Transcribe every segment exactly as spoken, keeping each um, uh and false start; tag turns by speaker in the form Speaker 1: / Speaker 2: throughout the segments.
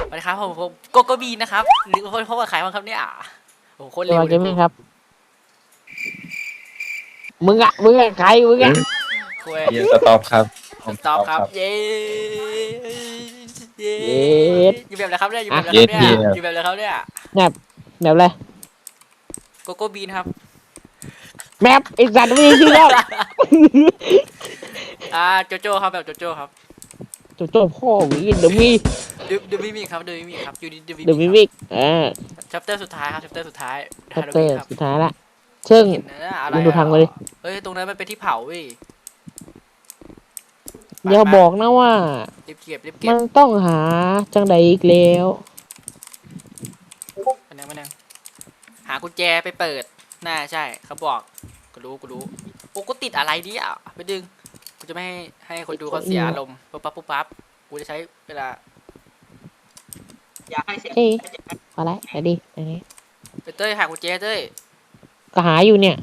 Speaker 1: สวัสดีครับผมผมโกโกบีนะครับหรือพบกับใครบ้างครับเนี่ยโอ้โหโคตร
Speaker 2: เดี๋
Speaker 1: เร็
Speaker 2: ยว
Speaker 1: ว
Speaker 2: มา
Speaker 1: เล
Speaker 2: เก
Speaker 1: ย
Speaker 2: มมิ่งครับมึงอะมึงอะใครมึงอะ
Speaker 1: คุย
Speaker 3: เยสต็อปครับผม
Speaker 1: สต็อปครับเย้เย้อยู่แบบอะไรครับเนี่ยอยู่แบบอะไรครับเนี่ยอยู่แบบอะไรครับเนี่ย
Speaker 2: แบบแบบอะไร
Speaker 1: โกโก้บีนครับ
Speaker 2: แมปไอสัตว์ไม่มีชื่อแล้ว
Speaker 1: อ่าโจโจ้ครับแบบโจโจ้ครับ
Speaker 2: โจโจ้พ่อหวีเดอะมี
Speaker 1: ดูดูมิมิครับดูมิมิครับอยู่ดีดูมิ
Speaker 2: เดอะมิ
Speaker 1: มิ
Speaker 2: มิกอ่า
Speaker 1: ชัปเตอร์สุดท้ายครับชัปเตอร์สุดท้าย
Speaker 2: ชั
Speaker 1: ฮา
Speaker 2: ป
Speaker 1: โล
Speaker 2: เตอ
Speaker 1: วีน
Speaker 2: ร์
Speaker 1: ครับ
Speaker 2: สุดท้ายละซึ่ง
Speaker 1: เห็นนะอะไร
Speaker 2: มึงดูทางมาดิ
Speaker 1: เฮ้ยตรงนั้นมันเป็นที่เผาเว้ย
Speaker 2: อย่าบอกนะว่า
Speaker 1: รีบเก็บรีบเก็
Speaker 2: มั
Speaker 1: บ
Speaker 2: นต้องหาจังใดอีกแล้ว
Speaker 1: มานั่งมานั่งหากุญแจไปเปิดน่าใช่เขาบอกกูรู้กูรู้โอ้กูติดอะไรเนี่ยไปดึงกูจะไม่ให้ให้คนดูเขาเสียอารมณ์ปุ๊บปั๊บปุ๊บปั๊บกูจะใช้เวลา
Speaker 4: อยากให้เสียง
Speaker 2: เอ้ยพอละไปดิอันนี้
Speaker 1: ไปเต้ยหากุญแจเต้ย
Speaker 2: ก็หาอยู่เนี่ย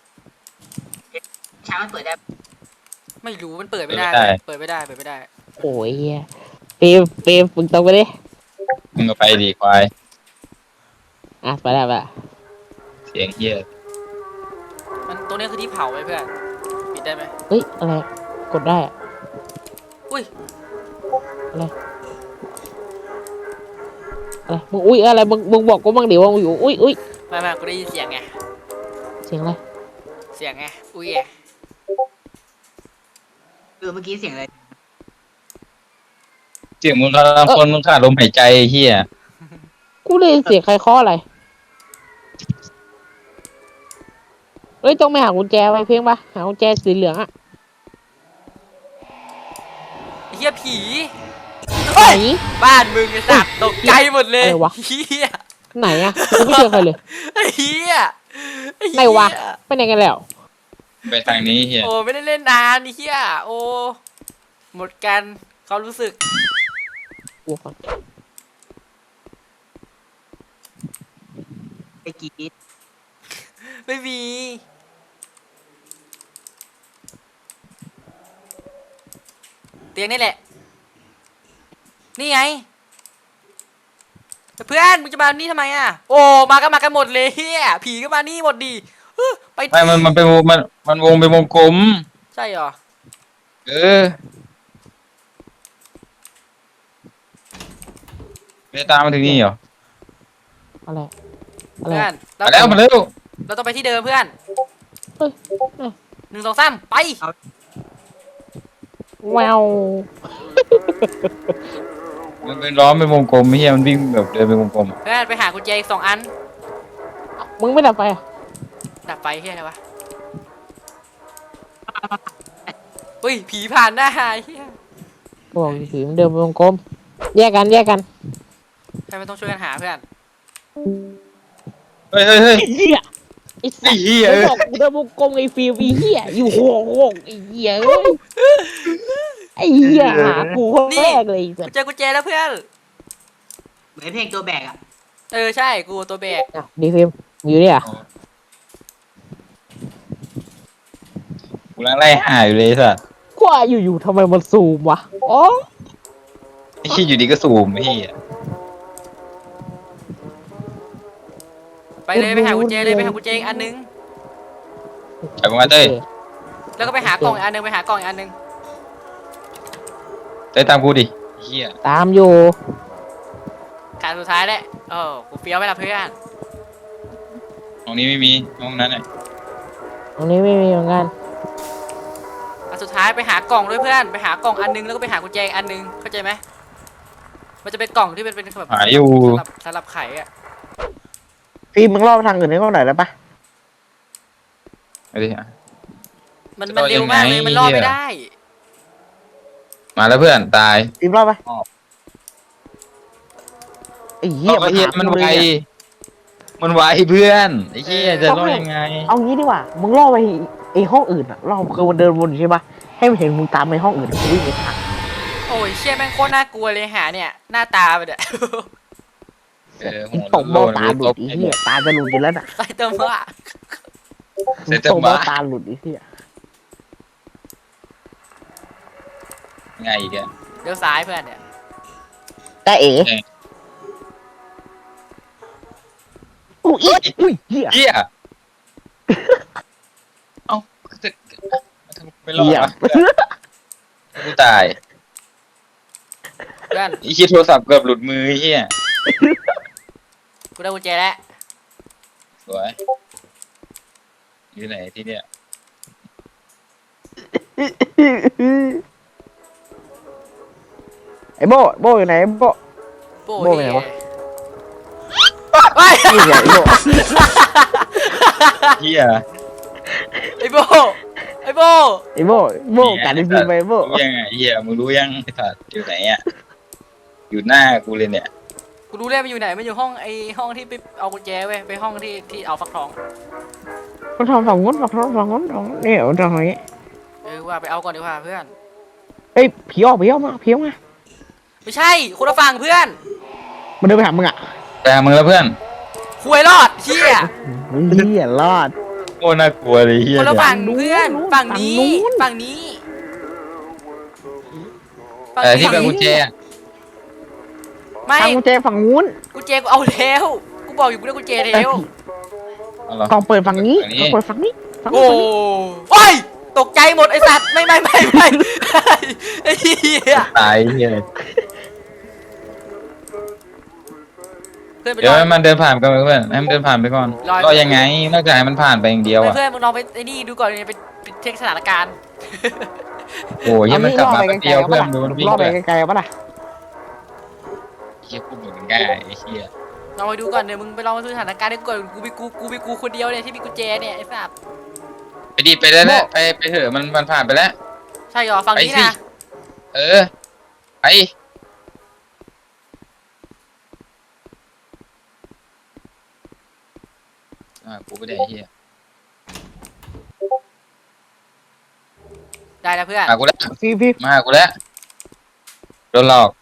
Speaker 4: ช้างมันเปิดได้
Speaker 1: ไม่รู้มันเปิดไม่ได้เปิดไม่ได้เปิดไม่ได้
Speaker 2: โอ้ยเฮียเปรมเปรมมึงตรงไปดิ
Speaker 3: มึงก็ไปดีควาย
Speaker 2: อ่ะไปแล้วไปละ
Speaker 3: เสียงเฮีย
Speaker 1: มันตรงนี้คือที่เผาไว้เพื่อนปิดได้ไหม
Speaker 2: เฮ้ยอะไรกดได้อะ
Speaker 1: อุ้ย
Speaker 2: อะไรมึงอุ้ยอะไรมึงมึงบอกกูบ้างดิว่ามึงอยู่อุ้ยอุ้ย
Speaker 1: ไม่ไม่กูได้ยินเสียงไง
Speaker 2: เสียงอะไร
Speaker 1: เสียงไงอุ้ยไง
Speaker 4: เออเมื่อกี้เสียงอะไร
Speaker 3: เสียงมึงกำลังคนมึงขาดลมหายใจเฮีย
Speaker 2: กูได้ยินเสียงใครเคาะอะไรเฮ้ยต้องไปหากุญแจไว้เพียงปะหากุญแจสีเหลืองอะ
Speaker 1: เฮียผี
Speaker 2: ไหน
Speaker 1: บ้านมึงไอ้สัตว์ตกใจหมดเลย
Speaker 2: อะไรวะ
Speaker 1: เฮีย
Speaker 2: ไหนอะกูไม่เจอใครเลย
Speaker 1: ไอ้เฮียอ้
Speaker 2: ไหนวะไปไหนกันแล้ว
Speaker 3: ไปทางนี้เฮีย
Speaker 1: โอ้ไม่ได้เล่นนานนี่เฮียโอ้หมดกันเขารู้สึก
Speaker 2: กูก่อน
Speaker 4: ไปกรีด
Speaker 1: ไม่มีเตียงนี่แหละนี่ไงเพื่อนมึงจะมานี่ทำไมอ่ะโอ้มาก็มากันหมดเลยเฮียผีก็มานี่หมดดีเฮ้ยไป
Speaker 3: ไม่มันมันเป็นวงมันมันวงเป็นวงกลม
Speaker 1: ใช่เหรอ
Speaker 3: เออไม่ได้ตามมาถึงนี่เหรอ
Speaker 2: อะไรอะไร
Speaker 1: เพื่อน
Speaker 3: มาแล้วมาแล้ว
Speaker 1: เราต้องไปที่เดิมเพื่อน
Speaker 2: เฮ้ยเอ้ย
Speaker 1: หนึ่งสองสามไป
Speaker 2: แวว
Speaker 3: มันเป็นล้อมเป็นวงกลมเฮียมันวิ่งแบบเดินเป็นวงกลม
Speaker 1: เพื่อนไปหากุญแจอีกสองอัน
Speaker 2: มึงไม่ดับไฟอะ
Speaker 1: ดับไฟเฮียอะไรวะอุ้ยผีผ่านหน้าเฮีย
Speaker 2: กูบอกผีมันเดินไปวงกลมแยกกันแยกกัน
Speaker 1: ใครไม่ต้องช่วยกันหาเพื่อน
Speaker 3: เฮ้ยเฮ้ยเฮ้ย
Speaker 2: ไอ้เหี้ยไอ้สั
Speaker 3: ไอ้
Speaker 2: ตว์
Speaker 3: เหี้ย
Speaker 2: มึงบอกกูเดินวงกลมไอ้ฟิวไอ้เหี้ยอยู่หัววงไอ้เหี้ยเอ้ยไอ้เหี้ยหากูคนแรกเลยไอ้สัต
Speaker 1: กู
Speaker 2: ว์
Speaker 1: เจอกุญแจแล้วเพื่อน
Speaker 4: เหมือนเพลงตัวแบกอ่ะ
Speaker 1: เออใช่กูตัวแบก
Speaker 2: อ่ะดีฟิล์มมึงอยู่นี่อ่ะ
Speaker 3: กูกำลังไล่หาอยู่เลยสัส
Speaker 2: กูว่าอยู่ๆทำไมมันซูมวะอ๋อ
Speaker 3: ไอ้ขี้ยอยู่ดีก็สูมไอ้เฮีย
Speaker 1: ไปเลยไปหากุญแจเลยไปหากุญแจอีกอันนึง
Speaker 3: ไปประมาณเต้ย
Speaker 1: แล้วก็ไปหากล่องอีกอันนึงไปหากล่องอีกอันนึง
Speaker 3: เต้ยตามกูดิไอ้เฮีย
Speaker 2: ตามอยู่
Speaker 1: ขาดสุดท้ายแหละโอ้กูเฟี้ยวไปละเพื่อน
Speaker 3: ห้องนี้ไม่มีห้องนั้นน่ะ
Speaker 2: ตรงนี้ไม่มีเหมือนกัน
Speaker 1: อันสุดท้ายไปหากล่องด้วยเพื่อนไปหากล่องอันนึงแล้วก็ไปหากุญแจอีกอันนึงเข้าใจไหมมันจะเป็นกล่องที่เป็นเป็นแบบ
Speaker 3: หาอยู่
Speaker 1: สำหรับสำหรับไข่อะ
Speaker 2: ฟิล์มมึงรอบทางอื่นให้เขาหน่อยได้ปะ
Speaker 3: เอาดิอ่ะ
Speaker 1: มัน
Speaker 3: จะ
Speaker 1: มัน
Speaker 3: รอด
Speaker 1: เร็วมากเลย
Speaker 3: ยังไง
Speaker 1: มันรอดไม่
Speaker 3: เนี่ย
Speaker 1: ได้
Speaker 3: มาแล้วเพื่อนตาย
Speaker 2: ฟิล์มรอบไปไอ้เหี้ย
Speaker 3: ไอ้เฮีย
Speaker 2: หา
Speaker 3: มัน
Speaker 2: กู
Speaker 3: ไว
Speaker 2: เลยอะ
Speaker 3: มันไวเพื่อนไอ้เฮียจะรอดยังไง
Speaker 2: เอางี้ดีกว่ามึงรอบไปไอ้ห้องอื่นอ่ะรอบคือมันเดินวนอยู่ใช่ปะให้มันเห็นมึงตามไปห้องอื่นกูวิ่งไปทาง
Speaker 1: โอ้ยเชี่ยแม่งโคตรน่ากลัวเลยหาเนี่ยหน้าตามันเนี่ย
Speaker 3: เออ
Speaker 2: มึ
Speaker 3: หั
Speaker 2: ง
Speaker 3: ว
Speaker 2: ตบ
Speaker 3: โล
Speaker 2: เบ้าน ตาหลุ
Speaker 3: ต
Speaker 2: ด
Speaker 3: บ
Speaker 2: ไอ้เหี้ยตาจะหลุดอยู่แล้วน่ะ
Speaker 1: ใส่ตัวมา
Speaker 3: เสร็จ
Speaker 2: ต
Speaker 3: จะ
Speaker 2: บ
Speaker 3: บ้า
Speaker 2: เบ้าตาหลุดไอ้เหี้ย
Speaker 3: ไงอีกอะ
Speaker 1: เลี้ยวซ้ายเพื่อนเนี่ย
Speaker 2: แต่เอ๋ลูกอีอุ้ยเหี้ย
Speaker 3: เฮียเอ้าจะทำไม่รอด
Speaker 2: เหี้ยว
Speaker 3: ะกูตาย
Speaker 1: เพื่อน
Speaker 3: ไอ้เฮียโทรศัพท์เกือบหลุดมือไอ้เฮีย
Speaker 1: กูได้กุญแจแล้ว
Speaker 3: สวยอยู่ไหนที่เนี่ย
Speaker 2: ไอ้โบโบอยู่ไหนโบ
Speaker 1: โป้
Speaker 2: โบ้ไปไหนวะ
Speaker 1: เฮ้ย
Speaker 2: นี่ไงไอ้โบ
Speaker 3: เฮีย
Speaker 1: ไอ้โบไอ้โบ
Speaker 2: ไอ้โบโบกัดไอ้ฟิล์มไปโบ
Speaker 3: รู้ยังไงเฮียมึงรู้ยังไอ้สัตว์อยู่ไหนอ่ะอยู่หน้ากูเลยเนี่ย
Speaker 1: กูรู้แล้วมันอยู่ไหนมันอยู่ห้องไอ้ห้องที่ไปเอากุญแจเว้ยไปห้องที่ที่เอาฟักทอง
Speaker 2: มันทำสองงนสองงนสองงนสองเนี่ยเอาตรงนี้
Speaker 1: เออว่าไปเอาก่อนดีกว่าเพื่อน
Speaker 2: เฮ้ยผีออกผีออกมาผีออกมา
Speaker 1: ไม่ใช่คนละฝั่งเพื่อน
Speaker 2: มันเดินไปหามึงอ่ะ
Speaker 3: แต่มึงแล้วเพื่อน
Speaker 1: คุยรอดเชี่ย
Speaker 2: เหี้ยรอด
Speaker 3: โคตรน่ากลัวเลยเฮีย
Speaker 1: คนละ
Speaker 3: เนี่ย
Speaker 1: ฝั่ง
Speaker 2: นู้น
Speaker 1: เพื่อน
Speaker 2: นู้น
Speaker 1: ฝั่งนี้
Speaker 2: ฝั่งนู้น
Speaker 1: ฝั่งนี้ฝั่ง
Speaker 3: แต่ที่เป็น
Speaker 1: นี้
Speaker 3: กุญแจอะ
Speaker 1: ไม่
Speaker 2: ทางกุญแจฝั่งนู้น
Speaker 1: กุญแจกูเอาแล้วกูบอกอยู่กูได้กุญแจแล้ว
Speaker 3: เอาเหรอ
Speaker 2: กล่องเปิดฝั่งนี้
Speaker 3: ฝั่งนี้
Speaker 2: กล่องเปิดฝั่งนี้ฝั่ง
Speaker 1: โอ้
Speaker 2: นี้
Speaker 1: โอ้ยตกใจหมดไอสัตว์ไม่ไม่ไม่ไม่ไอ้เหี้ย
Speaker 3: ตายเฮีย
Speaker 1: เพื่อนไป
Speaker 3: เดี๋
Speaker 1: ร
Speaker 3: ยว
Speaker 1: อ
Speaker 3: ให้มันเดินผ่านไปก่อนเพื่อนให้มันเดินผ่านไปก่อน
Speaker 1: รอ
Speaker 3: รอยังไงนอกจากให้มันผ่านไปอย่างเดียวอ่ะ
Speaker 1: เพื่อนมึงลองไปไอ้นี่ดูก่อนเนี่ยไปไปเช็คสถานการณ์
Speaker 3: โอ้ยยังมันกลับมา
Speaker 2: เอา
Speaker 3: แป๊บ
Speaker 2: นี่
Speaker 3: เดียว
Speaker 2: ล่
Speaker 3: เพื่อน
Speaker 2: อ
Speaker 3: ดู
Speaker 2: ไป
Speaker 3: มันวิ่ง
Speaker 2: ล่อไป
Speaker 3: เลย
Speaker 2: ไกลๆเอาปะล่ะ
Speaker 3: เฮียพูดเหมือนง่ายไอ้เฮีย
Speaker 1: ลองไปดูก่อนเดี๋ยวมึงไปลองไปดูสถานการณ์ดูก่อนกูไปกูกูไปกูคนเดียวเนี่ยที่มีกุญแจเนี่ยไอ้สัตว์
Speaker 3: ไปดิไปได้แล้วไปไปเถอะมันมันผ่านไปแล้ว
Speaker 1: ใช่เหรอฝั่งนี้
Speaker 3: ไปสิ
Speaker 1: นะ
Speaker 3: เออไปอ่ากูไม่ได้ไอ้เฮีย
Speaker 1: ได้แล้วเพื่อน
Speaker 3: มากูแล้ว
Speaker 2: ฟิล์มฟิล์ม
Speaker 3: มาหากูแล้วโดนหลอก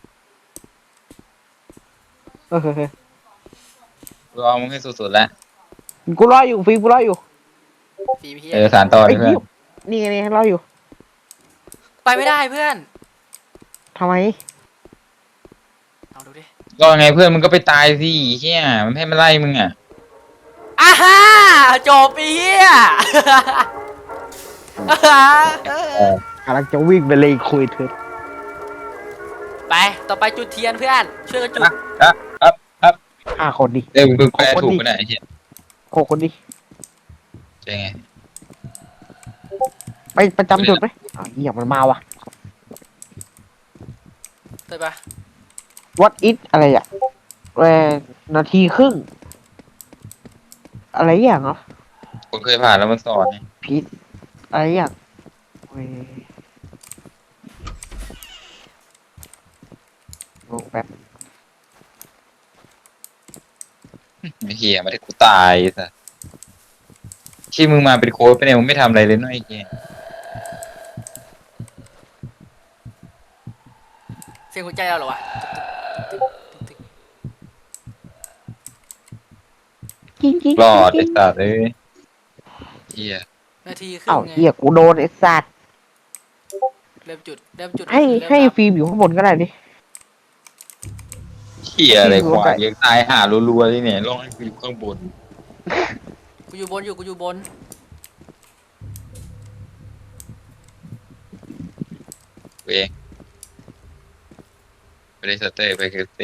Speaker 2: เออเออเออ
Speaker 3: กูเอามึงให้สุดๆแล้ว
Speaker 2: กูรออยู่ฟิล์มกูรออยู่
Speaker 1: ฟีพี่
Speaker 3: เออสารต่อเล
Speaker 2: ไอ้
Speaker 3: ยเพื่อ
Speaker 2: เหี้
Speaker 3: น
Speaker 2: ยนี่ไงนี่รออยู่
Speaker 1: ไปไม่ได้เพื่อน
Speaker 2: ทำไม
Speaker 1: ลองดูดิ
Speaker 3: ก็ไงเพื่อนมึงก็ไปตายสิเฮียมันให้มันไล่มึงอ่ะ
Speaker 1: อ่าฮ่าจบปีเฮียอ่าฮ่าเออก
Speaker 2: ำลังจะวิ่งไปเลยคุยเถอะ
Speaker 1: ไปต่อไปจุดเทียนเพื่อน ช่วยกันจุด
Speaker 3: ครับครับครับ
Speaker 2: ห้าคนดิ
Speaker 3: เดี๋ยวมึงแปลถูกไปไหนไอ้เฮีย
Speaker 2: หกคนดิ
Speaker 3: ใช่ไง
Speaker 2: ไปประจำจุดไหมอ้าวเหี้ยมันมาว่ะ
Speaker 1: เตยปะ
Speaker 2: what it อะไรอ่ะแรนาทีครึ่ง อะไรอย่างเหรอ
Speaker 3: คนเคยผ่านแล้วมันสอนไง
Speaker 2: พีทอะไรอย่างเว้ยลงแบบ
Speaker 3: ไอ้เฮียมาได้กูตายซะที่มึงมาเป็นโค้ชไปเนี่ยมึงไม่ทำอะไรเลยเน้อยไอ้เฮีย
Speaker 1: เสียงหัวใจเราเหรอวะ
Speaker 2: จริงจริง
Speaker 3: รอดไอ้สัตว์เอ้ยเฮีย
Speaker 1: นาทีครึ่
Speaker 2: เอ้าง
Speaker 1: ไง
Speaker 2: เหี้ยกูโดนไอ้สัตว์
Speaker 1: เริ่มจุดเริ่มจุด
Speaker 2: ให้
Speaker 1: เริ่ม
Speaker 2: ให้
Speaker 1: นับ
Speaker 2: ฟิล์มอยู่ข้างบนก็ได้ดิ
Speaker 3: เฮียอะไรควายยังตายหารัวๆเลยเนี่ยลองให้กูอยู่ข้างบน
Speaker 1: กูอยู่บนอยู่กูอยู่บน
Speaker 3: กูเองไปได้สเตอร์ไปคือตี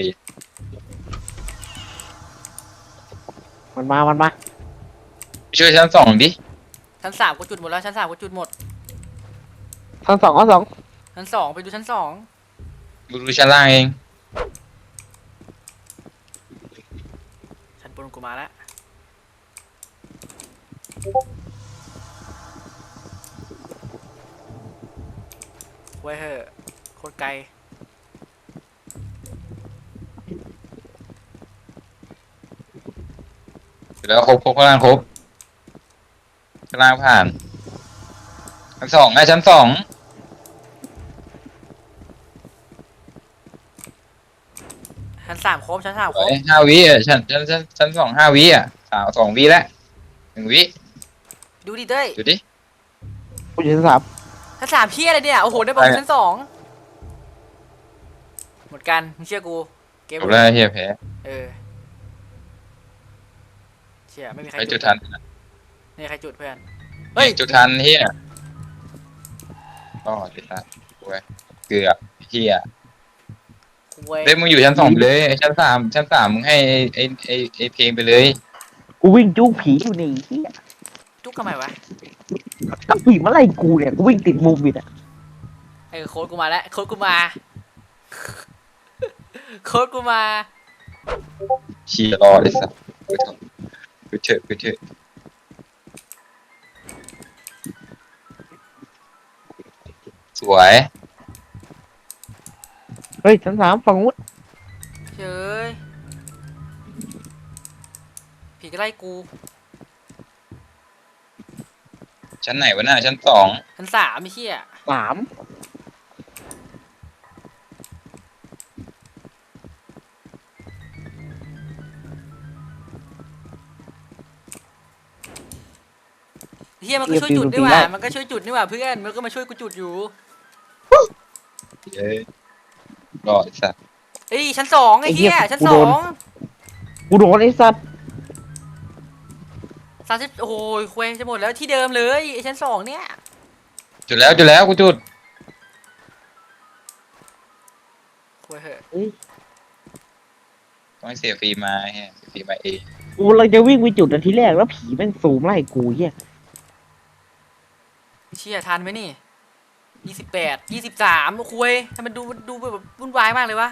Speaker 2: มันมา มันมา
Speaker 3: ไปช่วยชั้นสองดิ
Speaker 1: ชั้นสามกูจุดหมดแล้วชั้นสามกูจุดหมด
Speaker 2: ทั้งสองทั้งสอง
Speaker 1: ชั้นสองไปดูชั้นสอง
Speaker 3: กูดูชั้นล่างเอง
Speaker 1: ชั้นบนกูมาแล้วไว้ยเหอะโคตรไกล
Speaker 3: แล้วครบครบข้างล่างครบข้างล่างผ่านชั้นสองไงชั้นสอง
Speaker 1: ชั้นสามครบชั้นสามครบ
Speaker 3: เอ้ยห้าวิอ่ะชั้นชั้นชั้นชั้นสองห้าวิอ่ะสามสองวิแล้วหนึ่งวิ
Speaker 1: ดูดิเต้ย
Speaker 3: ดูดิ
Speaker 2: กูอยู่ชั้นสาม
Speaker 1: ชั้นสามเพี้ยอะไรเนี่ยโอ้โหได้บอก
Speaker 3: อะไร
Speaker 1: ชั้นสองหมดกันมึงเชื่อกูเกม
Speaker 3: จบแล้วเฮียแพ้
Speaker 1: เออชี่ยไม่มีใคร
Speaker 3: ใคร
Speaker 1: จุ
Speaker 3: จุ
Speaker 1: ด
Speaker 3: ดทัน
Speaker 1: ไม่มีใครจุดเพื่อนเฮ้ย
Speaker 3: จุดทันเฮียก็จุดทันโว้ยเกือบเฮีย
Speaker 1: เว้ย
Speaker 3: เฮ้ยมึงอยู่ชั้นสองไปเลยชั้นสามชั้นสามมึงให้ไอ้ไอ้ไอ้เพลงไปเลย
Speaker 2: กูวิ่งจู้ผีอยู่นี่เฮีย
Speaker 1: จุกทำไมวะ
Speaker 2: ก็ผีมาไล่กูเนี่ยกูวิ่งติดมุมอีกอ่ะ
Speaker 1: ไอ้โค้ดกูมาแล้วโค้ดกูมาโค้ดกูมา
Speaker 3: เชียร์รอเลยสัสไปเถอะไปเถอะสวย
Speaker 2: เฮ้ยชั้นสามฝั่งนู้น
Speaker 1: เฮ้ยผีก็ไล่กู
Speaker 3: ชั้นไหนวะน่ะชั้นสอง
Speaker 1: ชั้นสามไม่เชี่ย
Speaker 2: สาม
Speaker 1: เฮียมันก็ช่วยจุดนี่หว่ามันก็ช่วยจุดนี่หว่าเพื่อนมันก็มาช่วยกูจุดอยู่
Speaker 3: เอ้ยรอไอ้สัส
Speaker 1: เอ้ยชั้นสองไอ้เฮียชั้นสอง
Speaker 2: กูโดนไอ้สัตว์
Speaker 1: สามสิบโอ้ยคุยจะหมดแล้วที่เดิมเลยไอ้ชั้นสองเนี่ย
Speaker 3: จุดแล้วจุดแล้วกูจุด
Speaker 1: คุยเหอะ
Speaker 3: ต้องให้เสียฟรีมาเฮียเสียฟรีมาเอง
Speaker 2: กูกำลังจะวิ่งไปจุดอันที่แรกแล้วผีแม่งซูมไล่กูเฮีย
Speaker 1: เชี่ยทันไหมนี่ยี่สิบแปดยี่สิบสามคุยทำไมมันดูดูแบบวุ่นวายมากเลยวะ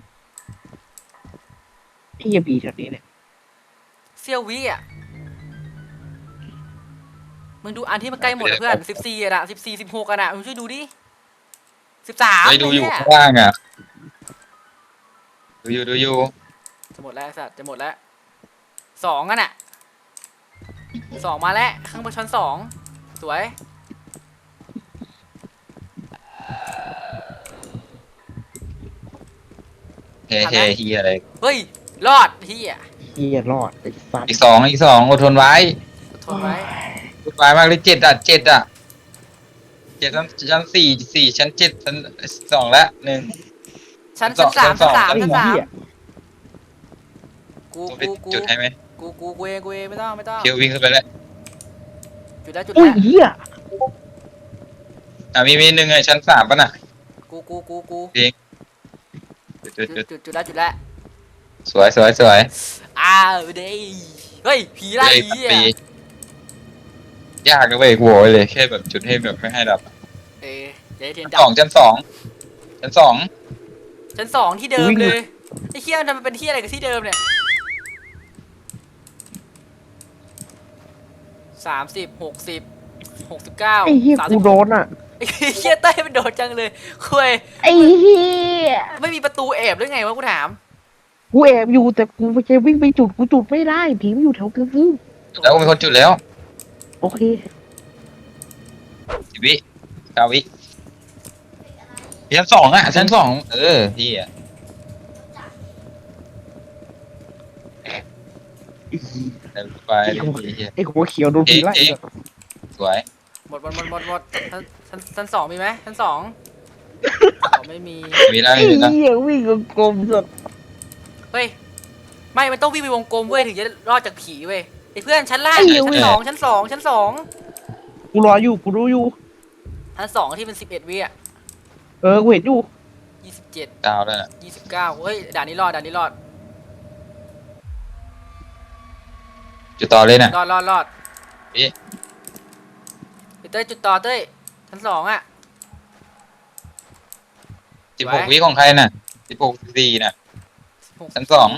Speaker 2: ไอ้เฮียผีแถวนี้เนี่ย
Speaker 1: เซียววิอ่ะมึงดูอันที่มันใกล้หมดอะเพื่อนสิบสี่อะสิบสี่สิบหกอะนะมึงช่วยดูดิสิบสาม
Speaker 3: ไปดูอยู่ข้างล่างอ่ะดูอยู่ดูอยู่
Speaker 1: จะหมดแล้วไอ้สัตว์จะหมดแล้วสองอะน่ะสองมาแล้วข้างบนชั้นสองสวย
Speaker 3: เฮ้เฮ้เฮียอะไร
Speaker 1: เฮ้ยรอดเฮีย
Speaker 2: เฮียรอดไอ้สัตว์
Speaker 3: อีกสองอีกสองอดทนไว้
Speaker 1: ทนไว้
Speaker 3: อดทนไว้มากเลยเจ็ดอ่ะเจ็ดอ่ะเจ็ดชั้นชั้นสี่สี่ชั้นเจ็ดชั้นสองละหนึ่ง
Speaker 1: ชั้น
Speaker 3: ชั้
Speaker 1: ชั้น
Speaker 3: น
Speaker 1: สาม
Speaker 3: ส
Speaker 1: ชั้
Speaker 3: อน ง
Speaker 1: สาม
Speaker 2: ไอ้
Speaker 1: ชั้นสาม
Speaker 2: เฮีย
Speaker 1: กู
Speaker 3: ต้องไป
Speaker 1: กูกู
Speaker 3: จุดให้ไหม
Speaker 1: กูกูกูเองกูเองไม่ต้องไม่ต้อง
Speaker 3: เคียววิ่งขึ้นไปแล้ว
Speaker 1: จุดแล้วจุด
Speaker 2: อุ้ย
Speaker 1: แล้ว
Speaker 2: เฮีย
Speaker 3: อ่ะมีมีหนึ่งไงชั้นสามป่ะน่ะ
Speaker 1: กูกูกูกู
Speaker 3: จุดจุด
Speaker 1: จุ
Speaker 3: จุ
Speaker 1: ด
Speaker 3: ด
Speaker 1: จุดจุดแล้วจุดแล้ว
Speaker 3: สวยสวยสวย
Speaker 1: อ้าวเด้ยเฮ้ยผีไล่
Speaker 3: เลย
Speaker 1: ผี
Speaker 3: ตัด
Speaker 1: อ่ะ
Speaker 3: ปียากนะเว้ยกูบอกไว้เลยแค่แบบจุดให้แบบไม่ให้ดับ
Speaker 1: เอ้ยเดี๋ยวเทียน
Speaker 3: ชั้นสอง
Speaker 1: ดับ
Speaker 3: ชั้นสองชั้นสอง
Speaker 1: ชั้นสองที่เดิมเลยไอ้เคี้ยมันทำไมเป็นที่อะไรกับที่เดิมเนี่ยสามสิบหกสิบหกสิบเก้า
Speaker 2: ไอ้เฮีย
Speaker 1: สาม
Speaker 2: กู
Speaker 1: สิบ
Speaker 2: โดนอ่ะ
Speaker 1: ไอ้เคี้ยเต้ยมันโดดจังเลยคุย
Speaker 2: ไอ้เฮีย
Speaker 1: ไม่มีประตูแอบหรือไงวะกูถาม
Speaker 2: กูแอบอยู่แต่กูไม่ใช่วิ่งไปจุดกูจุดไม่ได้ผีมันอยู่แถวกลางคืน
Speaker 3: แล้วมีคนจุดแล้ว
Speaker 2: โอเค
Speaker 3: สิบวิเก้าวิชั้นสองอ่ะชั้นสองเออพี่อ่ะ เดินไปเรื่อย
Speaker 2: ไอ้หัวเขียวโดนผีไล่
Speaker 3: เอ๊ะ ๆสวย
Speaker 1: หมดหมดหมดหมดหมดชั้นชั้นชั้นสองมีไหมชั้นสองอ๋อไม่มี
Speaker 3: มีแล้ว
Speaker 2: ไอ้
Speaker 3: มีแล้ว
Speaker 2: เหี้ยวิ่งกลมๆสุด
Speaker 1: เฮ้ยไม่มันต้องวิ่งไปวงกลมเว้ยถึงจะรอดจากผีเว้ยไอ้เพื่อนชั้นล่างชั้นสองชั้นสองชั้นสอง
Speaker 2: กูรออยู่กูรู้อยู่
Speaker 1: ชั้นสองที่เป็นสิบเอ็ดวิอ่ะ
Speaker 2: เออกูเห็นอยู่
Speaker 1: ยี่สิบเจ็ด
Speaker 3: ดาวแล้วน่ะ
Speaker 1: ยี่สิบเก้าเฮ้ยด่านนี้รอดด่านนี้รอด
Speaker 3: จุดต่อเลยน่ะ
Speaker 1: รอดรอดรอด
Speaker 3: นี่
Speaker 1: ไปเต้ยจุดต่อเต้ยชั้นสองอ่ะ
Speaker 3: สิบหกวิของใครน่ะสิบหกสี่น่ะ
Speaker 1: สิบหก
Speaker 3: ชั้นสอง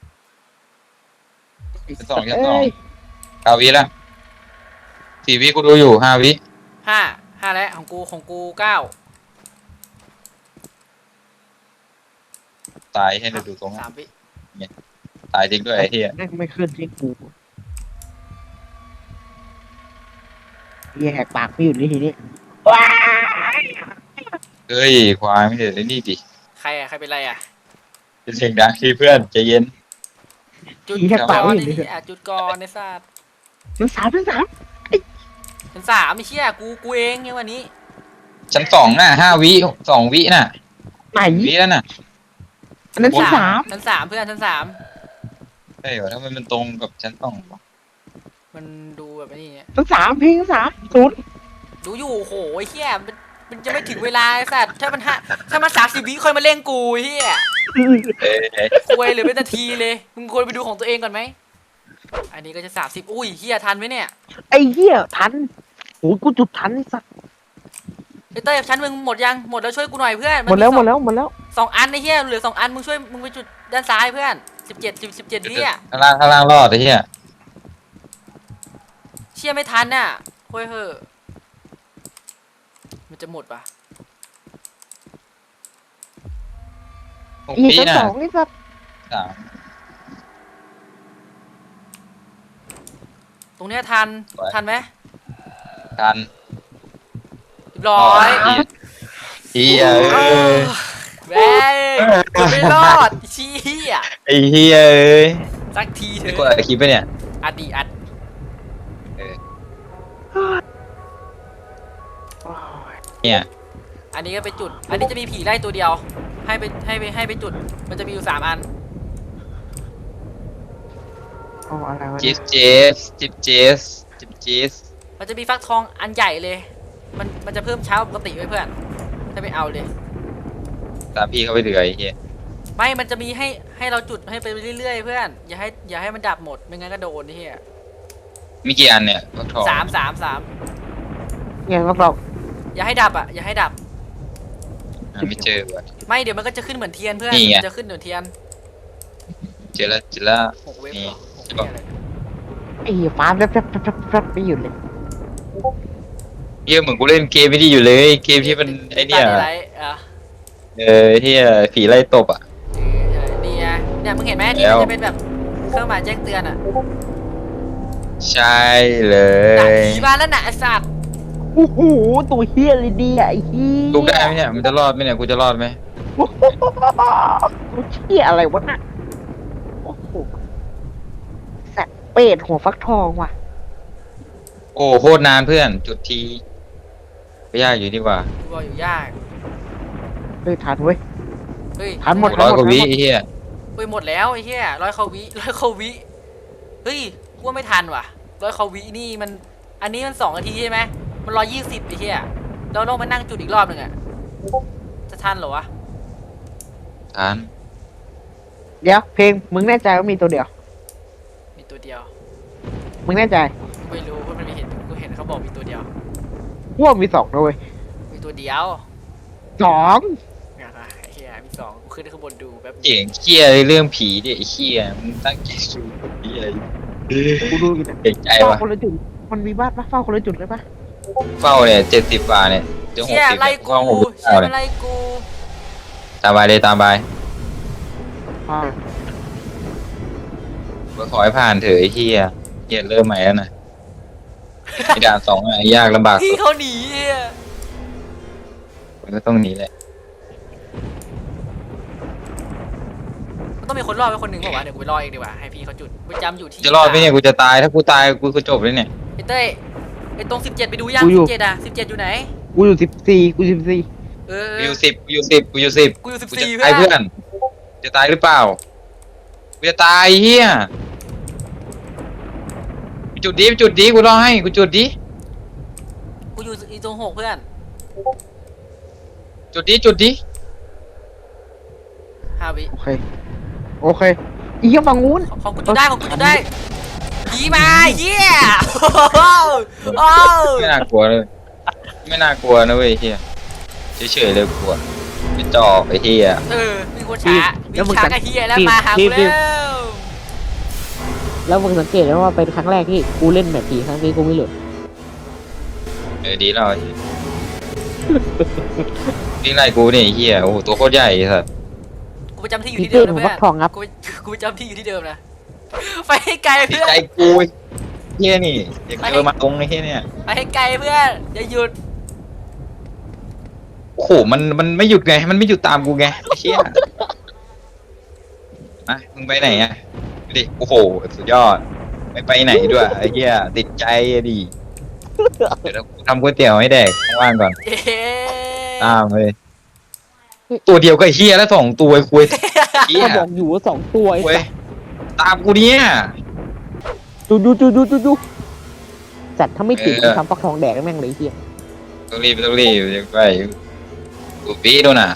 Speaker 3: ชั้นสองชั้นสอง
Speaker 2: เอ้ย
Speaker 3: เก้าวิแล้วสี่วิกูดูอยู่ห้าวิ
Speaker 1: ห้าห้าแล้วของกูของกูเก้า
Speaker 3: ตายให้เราดูตรง
Speaker 1: สามวิ
Speaker 3: ตายจริงด้วยไอ้เหี้ย
Speaker 2: แม่งไม่ขึ้นที่กูเหี้ยแหกปากไม่หยุดเลยทีนี้ว้าย
Speaker 3: เฮ้ยควายไม่เด็ดเลยนี่ดิ
Speaker 1: ใครอ่ะใครเป็นไรอ่ะ
Speaker 3: เป็นเสียงดังที่เพื่อนใจเย็น
Speaker 1: จุด
Speaker 2: ผีแหก
Speaker 1: ก่
Speaker 2: ปาก
Speaker 1: อน
Speaker 2: ไม่หยุด
Speaker 1: นี่
Speaker 2: เลย
Speaker 1: อ่ะจุดก่อนในศาสตร์
Speaker 2: มันสามมันสาม
Speaker 1: ชั้นสามไม่เชี่ยกูกูเองเนี่ยวันนี้
Speaker 3: ชั้นสองน่ะห้าวิสองวิน่ะ
Speaker 2: ไหน
Speaker 3: วิแล้วน่ะ
Speaker 2: อันนั้นที่สาม
Speaker 1: ชั้นสามเพื่อนชั้นสาม
Speaker 3: ใช่เหรอถ้ามันเป็นตรงกับชั้นสองวะ
Speaker 1: มันดูแบบนี้
Speaker 2: ทั้งสามเพลงทั้งสามศูนย์
Speaker 1: ดูอยู่โหไอ้เหี้ยมันมันจะไม่ถึงเวลาไอ้สัตว์ถ้ามันห้าถ้ามันสามสิบวิค่อยมาเล่นกูไอ้เหี้ย
Speaker 3: เอ้ย
Speaker 1: คุยเหลือเป็นนาทีเลยมึงควรไปดูของตัวเองก่อนไหมอันนี้ก็จะสามสิบอุ้ยเหี้ยทันไหมเนี่ย
Speaker 2: ไอ้เหี้ยทันโอ้ยกูจุดทันไอ้สัส
Speaker 1: ไอ้เต้ยชั้นมึงหมดยังหมดแล้วช่วยกูหน่อยเพื่อน
Speaker 2: หมดแล้ว
Speaker 1: ส
Speaker 2: หม
Speaker 1: อง
Speaker 2: ดแล้วหมดแล้ว
Speaker 1: สองอันไอ้เหี้ยเหลือสองอันมึงช่วยมึงไปจุดด้านซ้ายเพื่อนสิบเจ็ดสิบสิบเจ็ดวิอ่ะ
Speaker 3: ข้างล่างข้างล่างรอดไอ้เหี้ย
Speaker 1: เชี่ยไม่ทันน่ะโว้ยเหอะมันจะหมดปะ
Speaker 3: หก
Speaker 2: อีก
Speaker 3: ปี
Speaker 2: ทั้ง
Speaker 3: น่ะ
Speaker 2: สองไอ้สัส
Speaker 3: สาม
Speaker 1: ตรงเนี้ยทันทันไหม
Speaker 3: กัน
Speaker 1: เรียบร้อย
Speaker 3: เฮียเอ้ย
Speaker 1: แม่งไม่รอดเชี่ย
Speaker 3: ไอ้เฮียเอ้ย
Speaker 1: สักทีเถ
Speaker 3: ไอ้
Speaker 1: อะ
Speaker 3: กดอะไรคลิปไปเนี่ย
Speaker 1: อัดดีอัด
Speaker 3: เออเนี่ย
Speaker 1: อันนี้ก็ไปจุด อันนี้จะมีผีไล่ตัวเดียว ให้ไปให้ไปให้ไปจุด มันจะมีอยู่สามอัน
Speaker 2: อ๋ออะไรวะ
Speaker 3: จิ
Speaker 2: เนี่ย
Speaker 3: บเจสจิบเจสจิบเจส
Speaker 1: มันจะมีฟักทองอันใหญ่เลย มันมันจะเพิ่มเช้าปกติไว้เพื่อน ถ้าไม่เอาเลย
Speaker 3: ตามพี่เขาไปเหลือไอ้เฮีย
Speaker 1: ไม่ มันจะมีให้ให้เราจุดให้ไปเรื่อยๆเพื่อน อย่าให้อย่าให้มันดับหมด ไม่งั้นก็โดนนี่เฮีย
Speaker 3: มีกี่อันเนี่ยฟักทอง
Speaker 1: สามสามสาม
Speaker 2: เนี่ยก็เรา
Speaker 1: อย่าให้ดับอ่ะ อย่าให้ดับ
Speaker 3: หาไม่เจอว่ะ
Speaker 1: ไม่ เดี๋ยวมันก็จะขึ้นเหมือนเทียนเพื่อน
Speaker 3: นี่ไง
Speaker 1: มันจะขึ้นเหมือนเทียน
Speaker 3: เจอแล้วเจอแล้ว
Speaker 1: หกเว็บ
Speaker 3: นี่
Speaker 1: เหรอหกเว็บอะไร
Speaker 2: ไอ้เหี้ยฟ้าแป๊บแป๊บแป๊บแป๊บแป๊บไม่หยุดเลย
Speaker 3: เฮียเหมือนกูเล่นเกมไม่ดีอยู่เลย เกมที่มันไอ้เนี่ย
Speaker 1: ตาไรอ่ะ
Speaker 3: เออเฮียผีไล่ตบอ่ะ
Speaker 1: เออนี่ไงเนี่ยมึงเห็นไหมที่
Speaker 3: แล้
Speaker 1: มัน
Speaker 3: ว
Speaker 1: จะเป็นแบบเครื่องหมายแจ้งเตือนอ่ะ
Speaker 3: ใช่เล
Speaker 1: ด่าน
Speaker 3: ย
Speaker 1: ผีมาแล้วน่ะไอ้สัตว์
Speaker 2: โอ้โหตัวเหี้ยเลยดีอะไอ้เหี้ย
Speaker 3: ลูกได้ไหมเนี่ยมันจะรอดไหมเนี่ยกูจะรอดไหม
Speaker 2: ตัวเหี้ยอะไรวะน่ะโอ้โหสัตว์เป็ดหัวฟักทองว่ะ
Speaker 3: โอ้โคตรนานเพื่อน จุดทีไม่ยากอยู่ดีกว่า
Speaker 1: กูบอกอยู่ยาก
Speaker 2: เฮ้ยทันเว้ย
Speaker 1: เฮ้ย
Speaker 2: ทันหมด
Speaker 3: ร้อยกว่าวิไอ้เฮีย
Speaker 1: เฮ้ยหมดแล้วไอ้เหี้ยร้อยเขาวิร้อยเขาวิเฮ้ยกูว่าไม่ทันว่ะร้อยเขาวินี่มันอันนี้มันสองนาทีใช่ไหมมันร้อยยี่สิบไอ้เหี้ยเราต้องมานั่งจุดอีกรอบหนึ่งอ่ะจะทันเหรอวะ
Speaker 3: ทาน
Speaker 2: เดี๋ยวเพลงมึงแน่ใจว่ามีตัวเดียว
Speaker 1: มีตัวเดียว
Speaker 2: มึงแน่ใจ
Speaker 1: ไม่รู้เพราะมันมีเห็นกูเห็นเขาบอกมีตัวเดียว
Speaker 2: พวกมีสองนะเว้ย
Speaker 1: มีตัวเดียว
Speaker 2: สอง
Speaker 1: เนี่ยนะไอ้เหี้ยมีสองกูขึ้นข้างบนดูแป๊บ
Speaker 3: เก่งเคียเรื่องผีดิไอ้เคียมึงตั้งใจสูผีอะไร
Speaker 2: กูดูอยู่เนี่ย
Speaker 3: เก่งใจ
Speaker 2: เฝ้าว
Speaker 3: ะ
Speaker 2: คนละจุดมันมีบ้านปะเฝ้าคนละจุดเลยปะ
Speaker 3: เฝ้าเนี่ยเจ็ดสิบกว่าเนี่ยจะหก
Speaker 1: เชี่ย
Speaker 3: สิบ
Speaker 1: ไล่
Speaker 3: เนี่ย
Speaker 1: กู
Speaker 3: เฝ้าหกสิบ
Speaker 1: เชี่
Speaker 3: เก้าย เนี่ย
Speaker 1: ไล่กู
Speaker 3: ตามไปเลยตามไป
Speaker 2: อ่า
Speaker 3: ขอให้ผ่านเถอะไอ้เคียเคียเริ่มใหม่แล้วนะไอ้ด่านสองอ่ะยากลำบาก
Speaker 1: พี่
Speaker 3: สุด
Speaker 1: เขาหนีอะ
Speaker 3: มันก็ต้องหนีแหละ
Speaker 1: มันต้องมีคนรอดไปคนหนึ่งบอกว่าวะเดี๋ยวกูไปรอเองดีกว่าให้พี่เขาจุดกูจำอยู่ที่
Speaker 3: จะรอดไหมเนี่ยกูจะตายถ้ากูตายกูก็จบเลยเนี่ย
Speaker 1: ไอ้เต้ยไอ้ตรงสิบเจ็ดไปดูยังสิบเจ็ดอ่ะสิบเจ็ดอยู่ไหน
Speaker 2: กูอยู่สิบสี่กูสิบสี่
Speaker 1: เออ
Speaker 3: กูอยู่สิบกูอยู่สิบกูอยู่สิบ
Speaker 1: กูอยู่สิบ
Speaker 3: กูจะ
Speaker 1: สี่
Speaker 3: ตาย
Speaker 1: เพื่
Speaker 3: เพื่
Speaker 1: อ
Speaker 3: อน น จะตายหรือเปล่า กูจะตายเฮียกูจุดดีกูจุดดีกูรอให้กูจุดดี
Speaker 1: กูอยู่อีตรงหกเพื่อน
Speaker 3: จุดดีจุดดี
Speaker 1: ห้าวิ
Speaker 2: โอเคโอเคอีกฝั่งนู้น
Speaker 1: ของของกูจุดได้ของกูจุดได้ผีมาเยี่ยโอ้
Speaker 3: ไม่น่ากลัวเลย ไม่น่ากลัวนะเว้ยเฮียเฉยๆเลยกลัวไม่จอกไอ้เฮีย
Speaker 1: เออมีคนช้ามีช้ากับเฮียแล้วมาหากูแล้ว
Speaker 2: แล้วมึงสังเกตไหมว่าเป็นครั้งแรกที่กูเล่นแบบผีครั้งนี้กูไม่หลุด
Speaker 3: เออดีแล้วไอ้เหี้ยวิ่งไล่กูเนี่ยไอ้เฮียโอ้โหตัวโคตรใหญ่สัส
Speaker 1: กูประจำที่อยู่
Speaker 2: ผี
Speaker 1: ที่
Speaker 2: เต้
Speaker 1: เดิ
Speaker 2: น
Speaker 1: ม
Speaker 2: หั
Speaker 1: นะ
Speaker 2: ว
Speaker 1: เพื่
Speaker 2: ฟั
Speaker 1: อก น
Speaker 2: ทองครับ
Speaker 1: กูกูประจำที่อยู่ที่เดิมนะไปให้ไกล
Speaker 3: ดี
Speaker 1: เพื่อน
Speaker 3: ใจกูเฮียนี่อยากเจอมาตรงไอ้เฮียเนี่ย
Speaker 1: ไปให้ไกลเพื่อนอย่าหยุด
Speaker 3: โอ้โหมันมันไม่หยุดไงมันไม่หยุดตามกูไงไอ้เฮียอ่ะมึงไปไหนอ่ะดิโอ้โหสุดยอดไม่ไปไหนด้วยไอ้เฮียติดใจอะดิเดี๋ยวกูทำก๋วยเตี๋ยวให้แดกว่างๆก่อน
Speaker 1: เอ๊ะ
Speaker 3: ตามเลยตัวเดียวกับไอ้เฮียแล้วสองตัวไอ้คุยเฮีย
Speaker 2: ก็บอกอยู่ว่าสองตัวไอ้
Speaker 3: เว้ย
Speaker 2: สัส
Speaker 3: ตามกูเนี่ย
Speaker 2: จูจูจูจูจูจูสัตว์ถ้าไม่ติดกูทำฟักทองแดกแม่งเลยไอ้เหี้ย
Speaker 3: ต้องรีบต้องรีบยังไปศูนย์วิโดนอ่ะ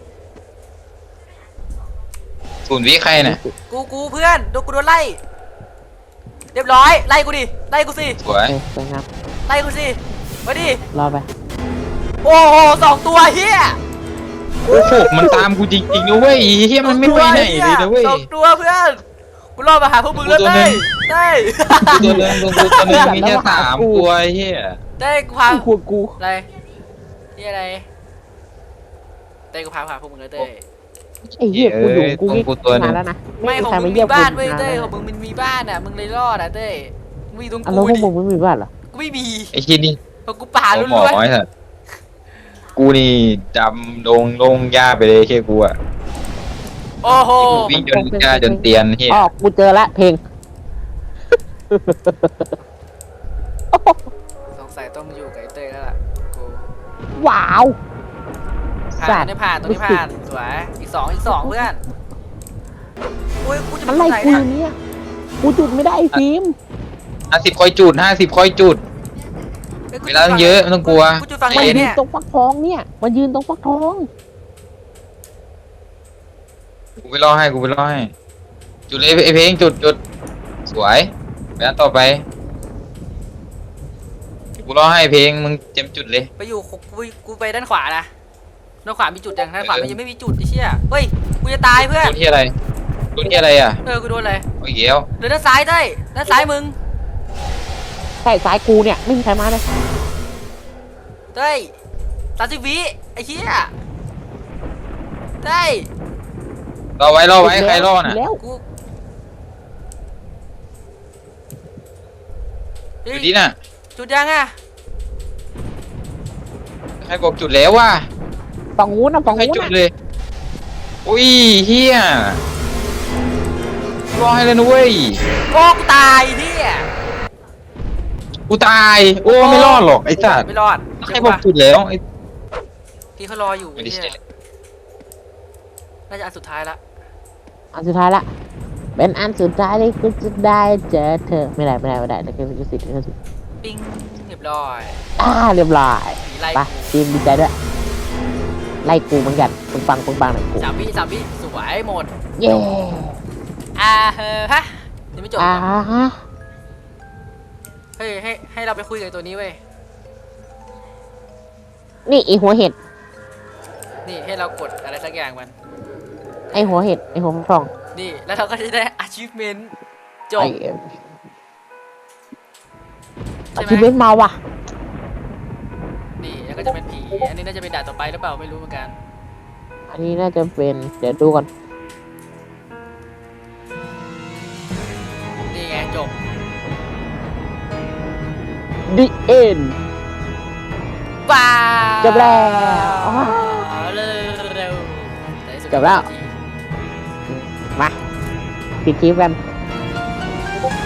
Speaker 3: ศูนย์วิใครน่ะ
Speaker 1: กูกูเพื่อนโดนกูโดนไล่ เรียบร้อยไล่กูดิไล่กูสิ
Speaker 3: สวย
Speaker 2: เออสวยงาม
Speaker 1: ไล่กูสิมาดิ
Speaker 2: รอไป
Speaker 1: โอ้โหสองตัวเฮีย
Speaker 3: โอ้โหมันตามกูจริงๆนะเว้ยเฮียมันไม่ไปไหนเลยนะเว้ย
Speaker 1: สองตัวเพื่อนกูรอมาหาพวกมึงแล้ว
Speaker 3: ตัวหนึ่
Speaker 1: เต้
Speaker 3: ง
Speaker 1: เต้
Speaker 3: ตัวนึงตัวนึงตัวนึงมีแค่สามตัวเฮีย
Speaker 1: เต้กูพา
Speaker 2: กูกู
Speaker 1: อะไรนี่อะไรเต้กูพาพาพวกมึงแล้วเต้
Speaker 2: ไอ้เหี้ยกูอยู่กูวิ่ง
Speaker 3: กูตัวนึ
Speaker 2: มาง แล้วนะ
Speaker 1: ไม่
Speaker 2: มี
Speaker 1: ของ
Speaker 2: ใคร
Speaker 1: มึ
Speaker 2: มาง
Speaker 1: มี
Speaker 2: เยี่ยม
Speaker 1: บ้าน
Speaker 2: กู
Speaker 1: เว้ย
Speaker 2: นาน
Speaker 1: เต้
Speaker 2: แล้ว
Speaker 1: ของมึงมันมีบ้านอ่ะมึงเลยรอดอ่ะเต้มึงมีตรง
Speaker 2: อ่ะ
Speaker 1: กู
Speaker 2: แล้วพวก
Speaker 1: ดิ
Speaker 2: มึงไม่มีบ้านเหรอ
Speaker 1: กูไม่มี
Speaker 3: ไอ้ที่นี่
Speaker 1: ของกูป่า
Speaker 3: ห
Speaker 1: ล้
Speaker 3: มอ
Speaker 1: วน
Speaker 3: ไอ้สัสกูนี่ดำลงลงหญ้าไปเลยแค่กูอะ
Speaker 1: ๆโอ้โห
Speaker 3: วิ่งจนหญ้าจนเตียนเฮีย
Speaker 2: อ๋อกูเจอละเพลง
Speaker 1: สงสัยต้องอยู่กับไอ้เต้แล้วล่ะกู
Speaker 2: ว้าว
Speaker 1: ผ่า
Speaker 2: สั
Speaker 1: น
Speaker 2: ตว์
Speaker 1: นี่ผ่านตัวนี้ผ่านสวยอีกสองอีกสองเพื่อนโอ้ยกูจะ
Speaker 2: อะไร
Speaker 1: ไหน
Speaker 2: กู
Speaker 1: นะ
Speaker 2: เนี่ยกูจุดไม่ได้ไอ้ฟิล์ม
Speaker 3: ห้าสิบคอยจุดห้าสิบคอยจุด เวลาต้องเยอะไม่ต้องกลัว
Speaker 1: กูจุดฝั่ง
Speaker 2: มัน
Speaker 1: ไหน
Speaker 2: ยืน
Speaker 1: เนี่ย
Speaker 2: ตรงฟักทองเนี่ยมันยืนตรงฟักทอง
Speaker 3: กูไปรอให้กูไปรอให้ จุดเลยไอเพลงจุดจุดสวยไปอันต่อไปกูรอให้เพลงมึงเต็มจุดเลย
Speaker 1: ไปอยู่กูกูกูไปด้านขวานะด้านขวามีจุดยังด้านขวามันยังไม่มีจุดไอ้เชี่ยเฮ้ยกูจะตายเพื่อน
Speaker 3: โดนที่อะไรโดนที่อะไรอ่ะ
Speaker 1: เออกูโดนอะไร
Speaker 3: โอ้ยเหี้ยว
Speaker 1: เหลือด้านซ้ายเต้ยด้านซ้ายมึง
Speaker 2: ใช่สายกูเนี่ยไม่มีใครมาเลย
Speaker 1: เต้ยสามสิบวิไอ้เชี่ยเต้ย
Speaker 3: รอไว้รอไว้ใครรอน่ะ
Speaker 2: แล้ว
Speaker 1: กู
Speaker 3: อยู่ที่น่ะ
Speaker 1: จุดยังอ่ะ
Speaker 3: ใครบอกจุดแล้วว่ะ
Speaker 2: ฝั่งนู้นนะฝั่ง
Speaker 3: ใคร
Speaker 2: นู้น
Speaker 3: จุด
Speaker 2: นะ
Speaker 3: เลยอุ้ยเฮียรอให้เลยนะเว้ย
Speaker 1: โอ้กูตายเฮีย
Speaker 3: กูตายโอ้ไม่รอดหรอกไอ้สัตว์
Speaker 1: ไม่รอด
Speaker 3: ใครบอกจุดแล้วไอ้
Speaker 1: พี่เขารออยู่
Speaker 3: ไม่ได้
Speaker 1: เฮี
Speaker 3: ใช่
Speaker 1: ยน่าจะอันสุดท้ายละ
Speaker 2: อันสุดท้ายละเป็นอันสุดท้ายที่กูจะได้เจอเธอไม่ได้ไม่ได้ไม่ได้แต่คือสิทธิ์คือสิทธิ์
Speaker 1: ปิ้งเรียบร้อย
Speaker 2: อ่าเรียบร้อย
Speaker 1: ผีไล่
Speaker 2: ไปทีมดีใจด้วยไล่กูเหมือนกันปึงปังปึงปังหน่อยกู
Speaker 1: สามวิสามวิสวยหมด
Speaker 2: เย้
Speaker 1: อ่าเฮ้ฮะยังไม่จบ
Speaker 2: อ่า
Speaker 1: เหรอ
Speaker 2: ฮะ
Speaker 1: เฮ้ยให้ให้เราไปคุยกับตัวนี้เว้ย
Speaker 2: นี่ไอหัวเห็ด
Speaker 1: นี่ให้เรากดอะไรสักอย่างมัน
Speaker 2: ไอหัวเห็ดไอหัวทอง
Speaker 1: นี่แล้วเราก็จะได้ achievement จบ
Speaker 2: ไอ
Speaker 1: ใช่
Speaker 2: อาชีพ
Speaker 1: ไหม
Speaker 2: เล่นมาว่ะ
Speaker 1: นี่แล้วก็จะเป็นผีอันนี้น่าจะเป็นด่านต่อไปหรือเปล่าไม่รู้เหมือนกัน
Speaker 2: อันนี้น่าจะเป็นเดี๋ยวดูก่อน
Speaker 1: นี่ไงจบ
Speaker 2: The End
Speaker 1: ว้าว
Speaker 2: จบแล้ว
Speaker 1: เร็วเร็วในที่สุด
Speaker 2: จบแล้ว มาปิดคลิปกัน
Speaker 1: โอ้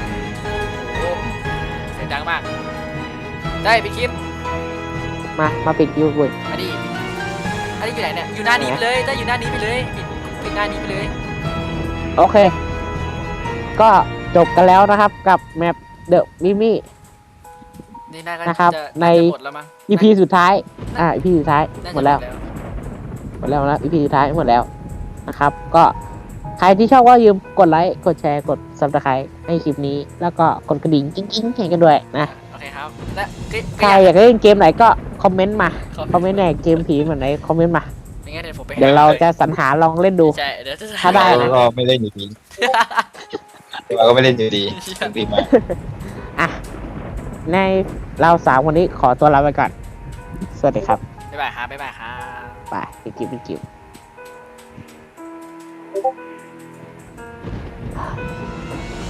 Speaker 1: เสียงดังมากได้ไปคลิป
Speaker 2: มามาปิดคลิปเว้ย
Speaker 1: อันนี้อันนี้อยู่ไหนเนี่ยอยู่หน้านี้ไปเลยได้อยู่หน้านี้ไปเลยปิดปิดหน้านี้ไปเลย
Speaker 2: โอเค ก็จบกันแล้วนะครับกับแมป The Mimi
Speaker 1: นี่น่าก็
Speaker 2: นะครับ
Speaker 1: จะ
Speaker 2: ใน
Speaker 1: าจะหมดแล้วมั้ง
Speaker 2: อี พี สุดท้าย อ่า อี พี สุดท้าย
Speaker 1: น่าจะ
Speaker 2: หมดแล้ว หมดแล้วหมดแล้ว อี พี สุดท้ายหมดแล้วนะครับ ก็ใครที่ชอบก็อย่าลืมกดไลค์ กดแชร์ กด ซับสไครต์ให้คลิปนี้ แล้วก็กดกระดิ่งกิ๊งๆให้กันด้วยนะ
Speaker 1: โอเคครับและก็
Speaker 2: ใคร
Speaker 1: ก็
Speaker 2: อยากเล่นเกมไหนก็คอมเมนต์มา
Speaker 1: ขอ
Speaker 2: คอมเมนต์ไหนเกมผีเหมือนไหนคอมเมนต์มา
Speaker 1: ไม่งั้นเดี๋ยวผมไป
Speaker 2: เดี๋ยวเราจะสรรหาลองเล่นดู
Speaker 1: ใช่เดี๋ยวจะ
Speaker 2: ถ้าได้นะ
Speaker 3: เราไม่เล่นอยู่ดีเราก็ไม่เล่นอยู่ดีดีมาก
Speaker 2: อ่ะ ในเราสามคนนี้ขอตัวลาไปก่อน สวัสดีครับ
Speaker 1: บ๊ายบายครับบ๊ายบายครับ
Speaker 2: ไปปิดคลิปปิดคลิป